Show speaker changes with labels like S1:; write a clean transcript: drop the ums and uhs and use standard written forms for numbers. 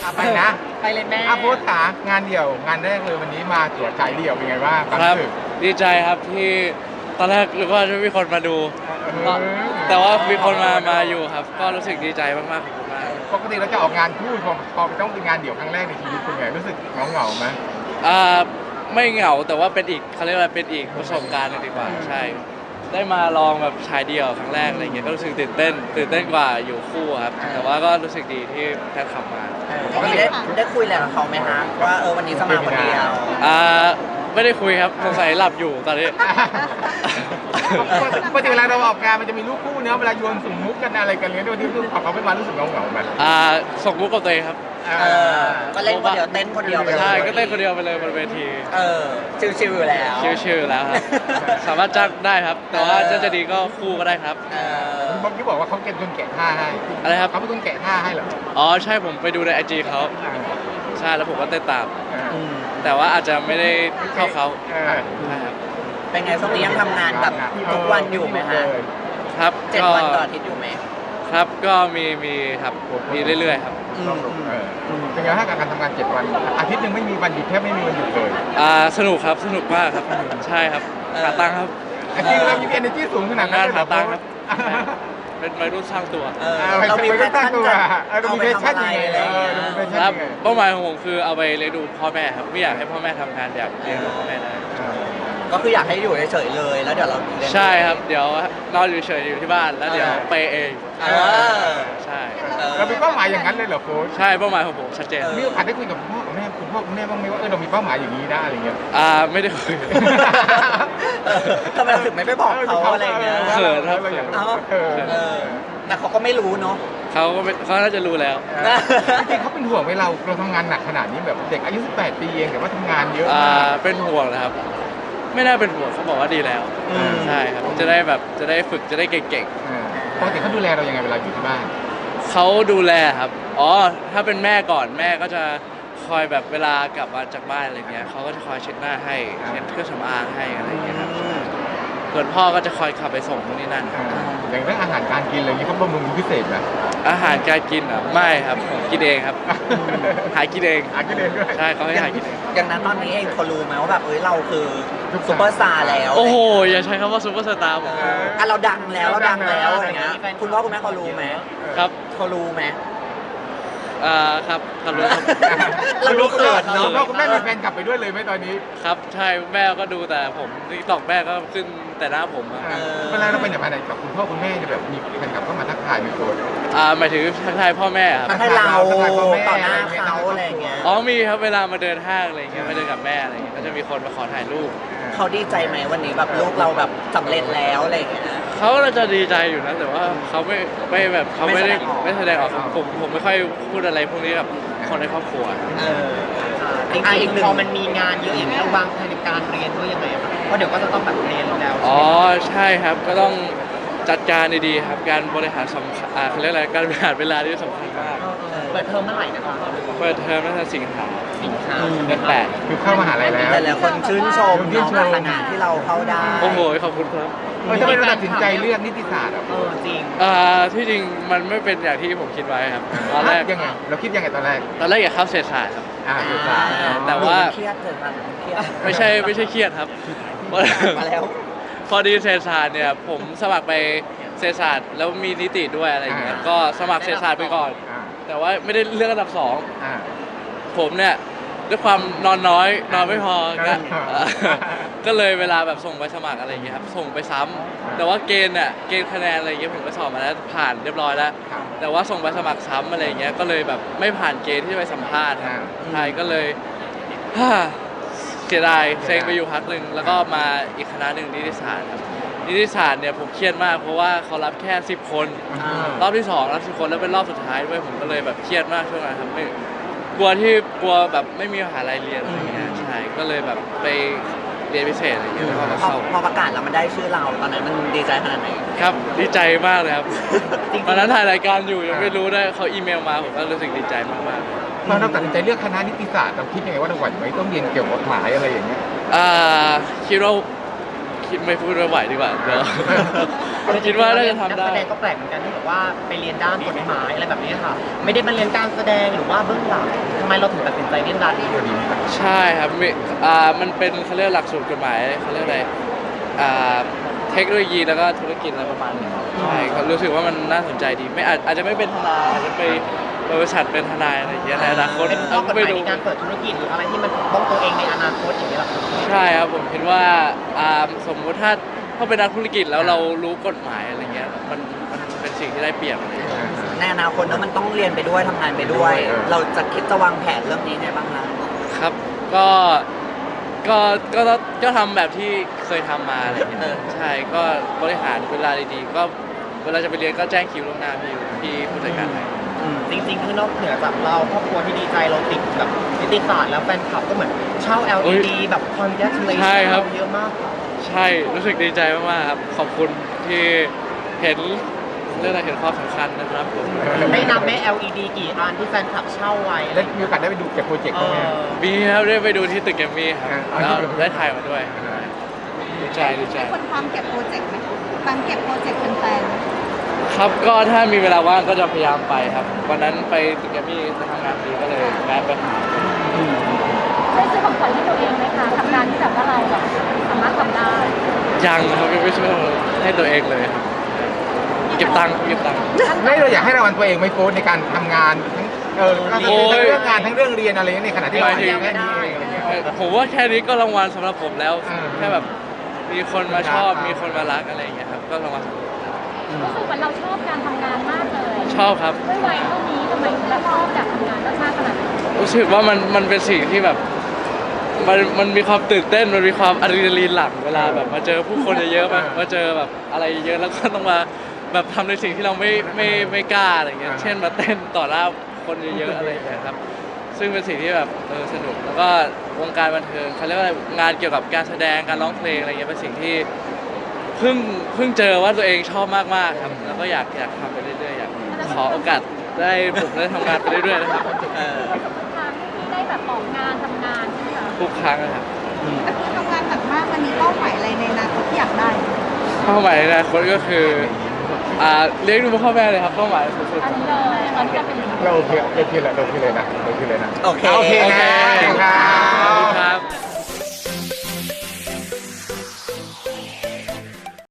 S1: ไปนะ
S2: ไปเลยแม่
S1: โพสต์ขางานเดี่ยวงานแรกเลยวันนี้มาตรวจฉายเดี่ยวเป็นไงบ้างความ
S3: ครับ
S1: รู้สึก
S3: ดีใจครับที่ตอนแรกนึกว่าจะไม่มีคนมาดู
S1: เออ
S3: แต่ว่ามีคนมาอยู่ครับ ก็รู้สึกดีใจมากๆขอบคุณมาก
S1: ปกติเราจะออกงานคู่พอต้องเป็นงานเดี่ยวครั้งแรกในชีวิตเป็นไงรู้สึกเหงาไหม
S3: อ่าไม่เหงาแต่ว่าเป็นอีกเขาเรียกว่าเป็นอีกประสบการณ์หนึ่งดีกว่าใช่ ได้มาลองแบบชายเดี่ยวครั้งแรกอะไรเงี้ยก็รู้สึกตื่นเต้นกว่าอยู่คู่ครับแต่ว่าก็รู้สึกดีที่แพทย์ขับมา
S2: ปกติได้คุยอะไรกับเขาไหมฮะว่าวันนี้จะมาคนเดียว
S3: ไม่ได้คุยครับสงสัยหลับอยู่ตอนนี้
S1: ปกติเวลาเราออกงานมันจะมีลูกคู่เนอะเวลาโยนสุ่มมุกกันอะไรกันเนี้ยโดยที่ของเขาไม่มารู้สึกเหงาไหม
S3: ส่งมุกกับตัวเองครับ
S2: ก็เล่นคนเดียวเต้นคนเดียวไปเลย
S3: ใช่ก็เต้นคนเดียวไปเลยบนเวที
S2: ชิวๆอยู่แล้ว
S3: ชิวๆแล้วครับ สามารถจ้างได้ครับ แต่ว่าจะดีก็คู่ก็ได้ครับ
S1: คุณบอกที่บอกว่าเขาเป็นคนแกะท่าให้
S3: อะไรครับ
S1: เขาเป็นคนแกะท่าให้เหรอ
S3: อ๋อใช่ผมไปดูในไอจีเขาใช่แล้วผมก็เต้นตาม
S2: อืม
S3: แต่ว่าอาจจะไม่ได้เข้าเขา
S1: ใช่
S3: ใช่ครับ
S2: เป็นไงช่วงนี้ยังทำงานแบบทุกวันอยู่ไหมฮะ
S3: ครับ
S2: 7
S3: ก็
S2: วันต่ออาทิตย์อยู่ไหม
S3: ครับก็มีครับมีเรื่อยๆครับ
S1: เป็นไงถ้าการทำงาน7 วันอาทิตย์หนึ่งไม่มีวันหยุดแทบไม่มีวันหยุดเลย
S3: สนุกครับสนุกมากครับใช่ครับหาตังค์ครับ
S1: จริงๆเรามี energy สูงขนาด
S3: ทำ
S1: นั้
S3: งาน น
S1: เลย
S3: หา
S1: เหรอ
S3: ตังค์ครับเป็นวัยรุ่นสร้างตัว
S2: เรามีแพชชั่นจะ
S1: เรา
S2: เอา
S1: มี
S2: ไป
S1: แพช
S2: ทำ
S1: ชั่น
S2: อะไร
S1: ยังไง
S2: อะไรอย่างเงี้ย
S1: เรามีแพช
S3: ค
S1: ชั่น
S3: รับ
S1: ยังไง
S3: เป้าหมายของผมคือเอาไปเลี้ยงดูพ่อแม่ครับไม่อยากให้พ่อแม่ทำงานอยากเลี้ยงดูพ่อแม่ได้
S2: ก็คืออยากให้อยู่เฉยๆเลย แล้วเดี๋ยวเราเลี้ยง
S3: ใช่ครับเดี๋ยวนอนอยู่เฉยอยู่ที่บ้านแล้วเดี๋ยวไปเอง
S2: เออ
S3: ใช่
S1: เรามีเป้าหมายอย่างนั้นเลยเหรอโค้ช
S3: ใช่เป้าหมายของผมชัดเจน
S1: มีโอกาสได้คุยกับพ่อกับแม่คุณพ่อคุณแม่บ้างไหมว่าเรามีเป้าหมายอย่างนี้นะอะไรเงี้ย
S3: ไม่ได้คุย
S2: ทำไมเราถึงไม่ไปบอกเขาอะไรอย่างเงี้ย
S3: เขินครับ
S1: เราอยาก
S2: เอ้า
S1: เออ
S2: แต่เขาก็ไม่รู้เนาะ
S3: เขาน่าจะรู้แล้ว
S1: จริงๆเขาเป็นห่วงไหมเราทำงานหนักขนาดนี้แบบเด็กอายุ18 ปีเองแต่ว่าทำงานเยอะมาก
S3: เป็นห่วงนะครับ ไม่น่าเป็นห่วงเขาบอกว่าดีแล้ว
S2: อืม
S3: ใช่ครับจะได้ฝึกจะได้เก่ง
S1: ปกติเขาดูแลเรายังไงเวลาอยู่ที่บ้าน
S3: ๆเขาดูแลครับอ๋อถ้าเป็นแม่ก่อนแม่ก็จะคอยแบบเวลากลับมาจากบ้านอะไรเงี้ยเขาก็จะคอยเช็ดหน้าให้เช็ดเครื่องสำอางให้อะไรเงี้ยครับส่วนพ่อก็จะคอยขับไปส่งตรงนี้นั่น
S1: อย่างเรื่องอาหารการกินอะไรอย่างนี้เขาบำรุงพิเศษไหม
S3: อาหารการกินอ่ะไม่ครับผมกินเองครับ หากินเอง
S1: อากินเองด้วย
S3: ใช่เขาให้หากินเอง
S2: อย่างนั้นตอนนี้เองเขารู้ไหมว่าแบบเราคือซุปเปอร์สตาร์แล้ว
S3: โอ้โหอย่าใช้คำว่าซูเปอร์สตาร์ผม
S2: เราดังแล้วอะไรเงี้ยคุณพ่อคุณแม่เขารู้ไหม
S3: ครับ
S2: เขารู้ไหม
S3: ครับครับรู้ครับ
S2: เรารู้เขินเนอะ
S1: พ่อคุณแม่มีแฟนกลับไปด้วยเลยไหมตอนนี้
S3: ครับใช่แม่ก็ดูแต่ผมนี่ตอกแม่ก็ขึ้นแต่หน้าผมอะ
S1: เวลาเราไปไหนมาไหนกับคุณพ่อคุณแม่เนี่ยแบบมีแฟนกลับเข้ามาทักทายมีโกรธ
S3: หมายถึงทักทายพ่อแม่ครับ
S2: มันให้เราต่อหน้าเขาอะไรอย่างเงี้ย
S3: อ๋อมีครับเวลามาเดินห้างอะไรอย่างเงี้ยมาเดินกับแม่อะไรอย่างเงี้ยก็จะมีคนมาขอถ่ายรูป
S2: เขาดีใจไหมวันนี้แบบลูกเราแบบสำเร็จแล้วอะไรอย่างเงี้ย
S3: เขาก็จะดีใจอยู่นะแต่ว่าเขาไม่แบบเขาไม่ได้
S2: ไม่
S3: ไม่
S2: แส
S3: แส
S2: ด
S3: ด
S2: ง
S3: ง
S2: อ
S3: อ
S2: อ
S3: อก กผมไม่ค่อยพูดอะไรพวกนี้กับคนในครอบครัว
S2: จริงๆพอมันมีงานเยอะอย่างนี้เราวางแผนในการเรียนด้วยยังไงครับเพราะเดี๋ยวก็จะต้องแบบเรียนแล้ว
S3: อ๋อใช่ครับก็ต้องจัดการดีๆครับการบริหารสำคัญเขาเรียกอะไรการบริหารเวลาที่สำคัญมาก
S2: เปิดเทอมเมื่อไหร่นะคะ
S3: เปิดเทอมตั้งแต่สิงหา
S2: สิงหา
S3: เดือนแปด
S1: คือเข้ามหาลัยแล้ว
S2: หลายๆคนชื่นชม
S1: ชื่น
S2: น้อง
S1: ชม
S2: ขนาดที่เราเข้าได้
S3: โอ้โหขอบคุณครับ
S1: ทำไมเราตัดสินใจเลือกนิติศาสตร์อ่ะ
S2: จริง
S3: ที่จริงมันไม่เป็นอย่างที่ผมคิดไว้ครับตอนแรก
S1: ยังไงเราคิดยังไงตอนแรก
S3: อยากเข้าเศรษฐศาสตร์ครับ
S1: นิติศาสตร์
S3: แต่ว่า
S2: เครียดเกิดมาเครียด
S3: ไม่ใช่เครียดครับ
S2: มาแล้ว
S3: พอดีเศรษฐศาสตร์เนี่ยผมสมัครไปเศรษฐศาสตร์แล้วมีนิติด้วยอะไรอย่างเงี้ยก็สมัครเศรษฐศาสตร์ไปก่อน แต่ว่าไม่ได้เลือกอันดับสอง ผมเนี่ยด้วยความนอนน้อยนอนไม่พอก็เลยเวลาแบบส่งไปสมัครอะไรอย่างเงี้ยครับส่งไปซ้ำแต่ว่าเกณฑ์คะแนนอะไรอย่างเงี้ยผมก็สอบมาแล้วผ่านเรียบร้อยแล้ว แต่ว่าส่งไปสมัครซ้ำอะไรอย่างเงี้ยก็เลยแบบไม่ผ่านเกณฑ์ที่จะไปสัมภาษณ์ครับใช่ก็เลยเสียดายเซ็งไปอยู่พักหนึ่งแล้วก็มาอีกคณะหนึ่งนิติศาสตร์ครับนิติศาสตร์เนี่ยผมเครียดมากเพราะว่าเขารับแค่10 คนรอบที่2รับ10 คนแล้วเป็นรอบสุดท้ายด้วยผมก็เลยแบบเครียดมากช่วงนั้นครับไม่กลัวแบบไม่มีมหาลัยเรียนอะไรอย่างเงี้ยใช่ก็เลยแบบไปเรียนพิเศษอะไรอย่างเงี้ยแล้วก็มาเข้า
S2: พอประกาศแล้วมันได้ชื่อเราตอนนั้นมันดีใจขนาดไหน
S3: ครับดีใจมากเลยครับตอนนั้นถ่ายรายการอยู่ยังไม่รู้ได้เขาอีเมลมาผมก็รู้สึกดีใจมากๆ
S1: ตอนเราตัดสินใจเลือกคณะนิติศาสตร์เราคิดยังไงว่าเราไหวไหมต้องเรียนเกี่ยวกับกฎหมายอะไรอย่างเงี้ย
S3: คิดว่าคิดไม่พูดไม่ไหวดีกว่าเดี๋ยว คิดว่าน่าจะทำได้
S2: นักแสดงก็แปลกเหมือนกันที่แบบว่าไปเรียนด้านกฎหมายอะไรแบบนี้ค่ะ ไม่ได้มาเรียนการแสดงหรือว่าเบื้องหลังทำไมเราถึงตัดสินใจเรียนด้านนี้
S3: ใช่ครับมันเป็นเขาเรียกหลักสูตรกฎหมายเขาเรียกอะไรเทคโนโลยีแล้วก็ธุรกิจอะไรประมาณนี้ครับใช่ก็รู้สึกว่ามันน่าสนใจดีไม่อาจจะไม่เป็นทนายอาจจะไปบริษัทเป็นทนายอะไรอย่างเงี้ยในอนาคต
S2: เป็นข้อกฎห
S3: ไม่
S2: มาย
S3: รู้
S2: ในการเปิดธุรกิจหรืออะไรที่มันปกป้องตัวเองในอนาคตอย่างนี้ยหรอ
S3: ใช่ครับผมคิดว่าสมมุติถ้าเป็นนักธุรกิจแล้วเรารู้กฎหมายอะไรเงี้ยมันเป็นสิ่งที่ได้เปรียบอะไรเงี้ย
S4: ในอนาคตแล้วมันต้องเรียนไปด้วยทำงานไปด้วย เราจะคิดจะวางแผนเรื่องนี้ไงบ้างนะครับ
S3: ก็ทำแบบที่เคยทำมาอะไรเงี้ยใช่ก็บริหารเวลาดีๆก็เวลาจะไปเรียนก็แจ้งคิวล่วงหน้าพี่ผู้จัดการให้
S2: จริงๆคือนอกเหนือจากเราครอบครัวที่ดีใจเราติดแบบนิติศาสตร์แล้วแฟนคลับก็เหมือนเช่า LED แบบคอนแทคเลนส์
S3: ใช่ครับ
S2: เยอะมาก
S3: ใช่รู้สึกดีใจมากๆครับขอบคุณที่เห็นเรื่องอะไรเห็นความสำคัญนะครับผม
S2: ได้นับไหม LED กี่อันที่แฟนคลับเช่าไว้
S1: แล้วมีโอกาสได้ไปดูเก็บโปรเจกต์
S2: เอ
S1: บ้างไหม
S2: อ
S3: มีครับได้ไปดูที่ตึกแกรมมี่ครับ
S1: อ่า
S3: แล้วได้ถ่ายมาด้วยดีใจ
S5: คนความเก็บโปรเจกต์ไหมความเก็บโปรเจกต์แฟนๆไหม
S3: ครับก็ถ้ามีเวลาว่างก็จะพยายามไปครับวันนั้นไปตึกแกรมมี่จะทำงานดีก็เลยแวะไปหา
S5: ได้ซื้อของขวัญให้ตัวเองไหมคะทำงานที่แบบว่าเราแบบสามารถทำได้
S3: ยังครับไม่ช่วยให้ตัวเองเลยครับเก็บตังค์
S1: ไม่เราอยากให้รางวัลตัวเองไหม่โฟนในการทำงานทั้งทั้งเรื่องงานทั้งเรื่องเรียนอะไรในขณะที่เราเรียนแค่นี้เองอะไรเงี้ย
S3: ผมว่าแค่นี้ก็รางวัลสำหรับผมแล้ว
S1: อ่า
S3: แค่แบบมีคนมาชอบ
S1: ครับ
S3: มีคนมารักอะไรอย่างเงี้ยครับก็รางวัลสำหรับผม
S5: รู้สึกว่าเราชอบการทำงานมากเลย
S3: ชอบครับ
S5: ด้วยวัยเท่านี้ทำไมถึงเราชอบอยากทำงานมากๆขนาดนี้
S3: รู้สึกว่ามันเป็นสิ่งที่แบบมันมีความตื่นเต้นมันมีความอะดรีนาลีนหลั่งเวลาแบบมาเจอผู้คนเยอะๆมาเจอแบบอะไรเยอะแล้วก็ต้องมาแบบทำในสิ่งที่เราไม่กล้าอะไรเงี้ยเช่นมาเต้นต่อหน้าคนเยอะๆอะไรอย่างเงี้ยครับซึ่งเป็นสิ่งที่แบบสนุกแล้วก็วงการบันเทิงเขาเรียกว่างานเกี่ยวกับการแสดงการร้องเพลงอะไรเงี้ยเป็นสิ่งที่เพิ่งเจอว่าตัวเองชอบมากๆครับแล้วก็อยากทำไปเรื่อยๆอยากขอโอกาสได้ผมได้ทำงานไปเรื่อยๆนะครับ
S5: ทุกครั้งที่ได้แบบออกงานทำงานใช่ไหมคะ
S3: ทุกครั้งนะครับ
S5: แต่คือทำงานหนักมากมันมีเป้าหมายอะไรในอนาคตที่อยากได้
S3: เป้าหมายในอนาคตก็คือเลี้ยงดูพ่อแม่เลยครับเป้าหมายสุด
S5: อันนี้เลยมันจะเป็น
S1: เราโอเคเลยนะโอเคเลยนะ
S4: โอเค
S1: โอเคนะ
S3: ๆ
S1: ครั
S3: ขอบคุณ
S1: บ
S3: ครับ